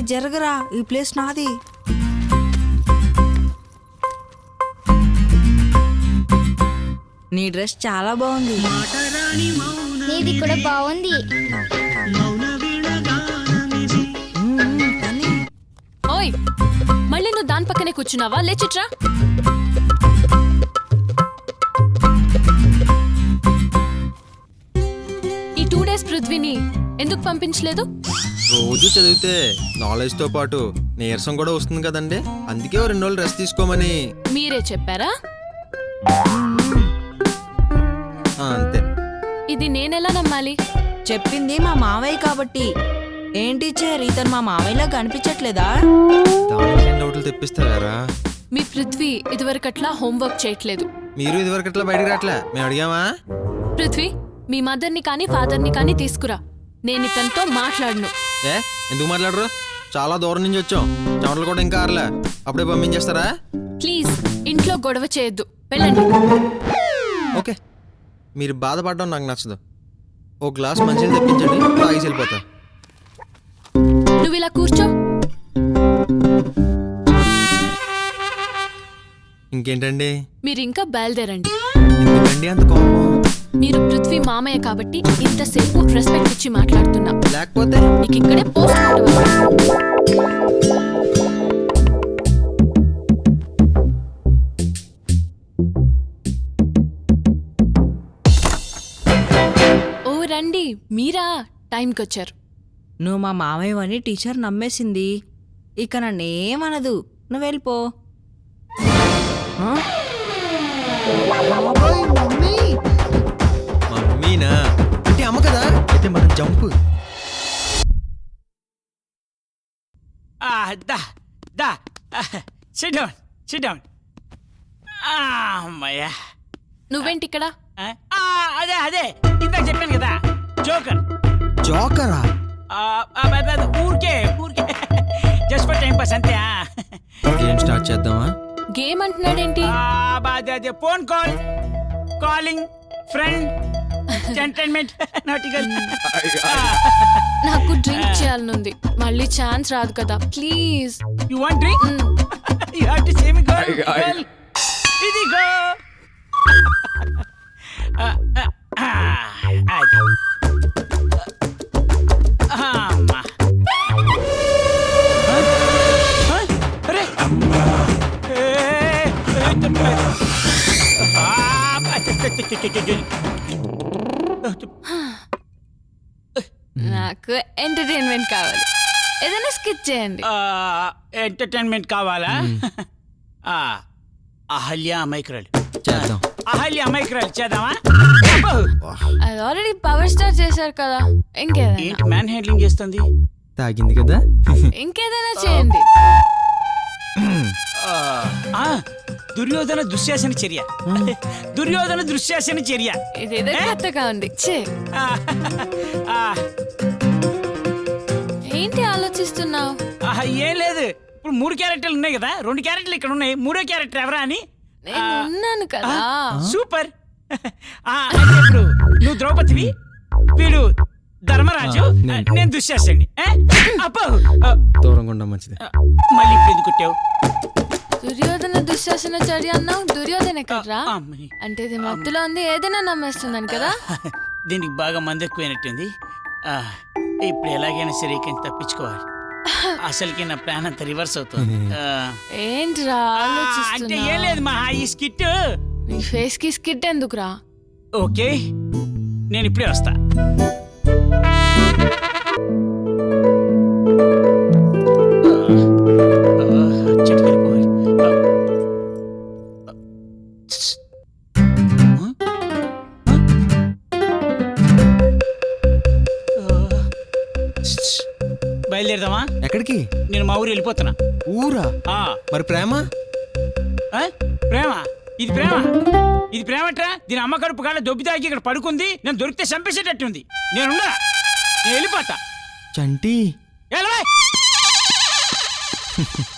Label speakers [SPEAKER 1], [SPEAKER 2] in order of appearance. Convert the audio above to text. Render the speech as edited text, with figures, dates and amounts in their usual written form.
[SPEAKER 1] జరగరా, ఈ ప్లేస్ నాది. నీ డ్రెస్ చాలా బాగుంది.
[SPEAKER 2] నీది కూడా బాగుంది.
[SPEAKER 3] ఓయ్, మళ్ళీ నువ్వు దాని పక్కనే కూర్చున్నావా? లేచిట్రా. ఈ 2 days పృథ్వీని ఎందుకు పంపించలేదు?
[SPEAKER 4] రోజు చదివితే నాలెడ్జ్ తో పాటు నీరసం కూడా వస్తుంది కదండి, అందుకే 2 రోజులు రెస్ట్ తీసుకోమని.
[SPEAKER 3] మీరే చెప్పారా?
[SPEAKER 4] అంతే.
[SPEAKER 3] ఇది నేనెలా నమ్మాలి?
[SPEAKER 1] చెప్పింది మా మావయ్య కాబట్టి. ఏంటి టీచర్, ఇతను మా మావయ్యలా కనిపించట్లేదా?
[SPEAKER 4] దానికి డౌట్లు తెప్పిస్తారా?
[SPEAKER 3] మీ పృథ్వీ ఇదివరకట్లా హోంవర్క్ చేయట్లేదు.
[SPEAKER 4] మీరు ఇదివరకు అట్లా బయటకు రావట్లే, మేము అడిగామా?
[SPEAKER 3] పృథ్వీ, మీ మదర్ని కానీ ఫాదర్ని కానీ తీసుకురా. నేను ఇతనితో మాట్లాడను.
[SPEAKER 4] ఎందుకు మాట్లాడరు? చాలా దూరం నుంచి వచ్చాం, చెమటలు కూడా ఇంకా ఆరలే, అప్పుడే పంపించేస్తారా?
[SPEAKER 3] ప్లీజ్, ఇంట్లో గొడవ చేయొద్దు, వెళ్ళండి.
[SPEAKER 4] ఓకే, మీరు బాధపడడం నాకు నచ్చదు. ఓ గ్లాస్ మంచిగా తెప్పించండి, తాగేసి వెళ్ళిపోతా.
[SPEAKER 3] నువ్వు ఇలా కూర్చో.
[SPEAKER 4] ఇంకేంటండి?
[SPEAKER 3] మీరు ఇంకా బయలుదేరండి.
[SPEAKER 4] ఎందుకండి అంత కోపం?
[SPEAKER 3] మీరు పృథ్వీ మామయ్య కాబట్టి ఇంతసేపు రెస్పెక్ట్ ఇచ్చి మాట్లాడుతున్నా,
[SPEAKER 4] లేకపోతే
[SPEAKER 3] నీకు ఇక్కడే పోస్ట్ ఓ రండి, మీరా? టైంకి వచ్చారు.
[SPEAKER 1] నువ్వు మా మావయ్యవని టీచర్ నమ్మేసింది. ఇక నన్నేమనదు, నువ్వు వెళ్ళిపో.
[SPEAKER 4] మమ్మీనా అంటే అమ్మ కదా, అయితే మనం జంపు.
[SPEAKER 5] SIT down. అమ్మయ్యా,
[SPEAKER 3] నువ్వేంటి ఇక్కడ?
[SPEAKER 5] అదే ఇందాక చెప్పాను కదా, జోకర్.
[SPEAKER 4] జోకరా?
[SPEAKER 5] ఊరికే జస్ట్ ఫర్ టైం పాస్ అంతే.
[SPEAKER 4] గేమ్ స్టార్ట్ చేద్దామా?
[SPEAKER 3] గేమ్ అంటున్నాడేంటి?
[SPEAKER 5] అదే phone call, calling, friend, entertainment, nautical.
[SPEAKER 3] నాకు డ్రింక్ చేయాలనుంది, మళ్ళీ ఛాన్స్ రాదు కదా, please.
[SPEAKER 5] You want drink? You have to say me girl. ఇదిగో.
[SPEAKER 3] నాకు ఎంటర్టైన్మెంట్ కావాలి, ఏదైనా స్కిప్ చేయండి.
[SPEAKER 5] ఎంటర్టైన్మెంట్ కావాలా? అహల్య అమైక్రాలు
[SPEAKER 4] చేద్దాం.
[SPEAKER 5] అహల్య అమైక్రాలు చేద్దామా?
[SPEAKER 3] అది ఆల్రెడీ పవర్ స్టార్ చేశారు కదా, ఇంకేదైనా.
[SPEAKER 5] ఏంటి మ్యాన్ హ్యాండ్లింగ్ చేస్తుంది?
[SPEAKER 4] తాగింది కదా.
[SPEAKER 3] ఇంకేదైనా చేయండి.
[SPEAKER 5] దుర్యోధన దుశ్శాసన చర్య. దుర్యోధన దుశ్శాసన చర్య.
[SPEAKER 3] ఇదేదో కొత్తగా ఉంది. ఏంటి ఆలోచిస్తున్నావు?
[SPEAKER 5] ఏం లేదు, ఇప్పుడు 3 క్యారెక్టర్లు ఉన్నాయి కదా, 2 క్యారెక్టర్లు ఇక్కడ ఉన్నాయి, 3వ క్యారెక్టర్ ఎవరా అని.
[SPEAKER 3] నేను ఉన్నాను కదా.
[SPEAKER 5] సూపర్. ఇప్పుడు నువ్వు ద్రౌపదివి, వీడు ధర్మరాజు, నేను దుశ్శాసనుడి. అప్పో,
[SPEAKER 4] దూరంగా ఉండడం మంచిది.
[SPEAKER 5] మళ్ళీ ఇప్పుడు ఎందుకు కొట్టావు?
[SPEAKER 3] దుర్యోధన దుశ్శాసన చర్య అన్నావు, దుర్యోధన ఎక్కడ్రా? అంటే ఇది మత్తులో ఉంది, ఏదైనా నమ్మేస్తున్నాను కదా.
[SPEAKER 5] దీనికి బాగా మంది ఎక్కువైనట్టుంది. ఇప్పుడు ఎలాగైనా సరే ఇక్కడి నుంచి తప్పించుకోవాలి. అసలుకి నా ప్లాన్ అంతా రివర్స్ అవుతుంది.
[SPEAKER 3] ఏంట్రా
[SPEAKER 5] అంటే ఏం లేదు మా, ఈ స్కిట్.
[SPEAKER 3] నీ ఫేస్ కి స్కిట్ ఎందుకురా?
[SPEAKER 5] ఓకే, నేను ఇప్పుడే వస్తా. బయలుదేరదామా?
[SPEAKER 4] ఎక్కడికి?
[SPEAKER 5] నేను మా ఊరు వెళ్ళిపోతున్నా.
[SPEAKER 4] ఊరా? మరి ప్రేమ?
[SPEAKER 5] ప్రేమ? ఇది ప్రేమ? ఇది ప్రేమట్రా? దీని అమ్మ కడుపు కాళ్ళ దొబ్బి తాగి ఇక్కడ పడుకుంది, నేను దొరికితే చంపేసేటట్టుంది. నేను వెళ్ళిపోతా.
[SPEAKER 4] చంటి
[SPEAKER 5] ఎలా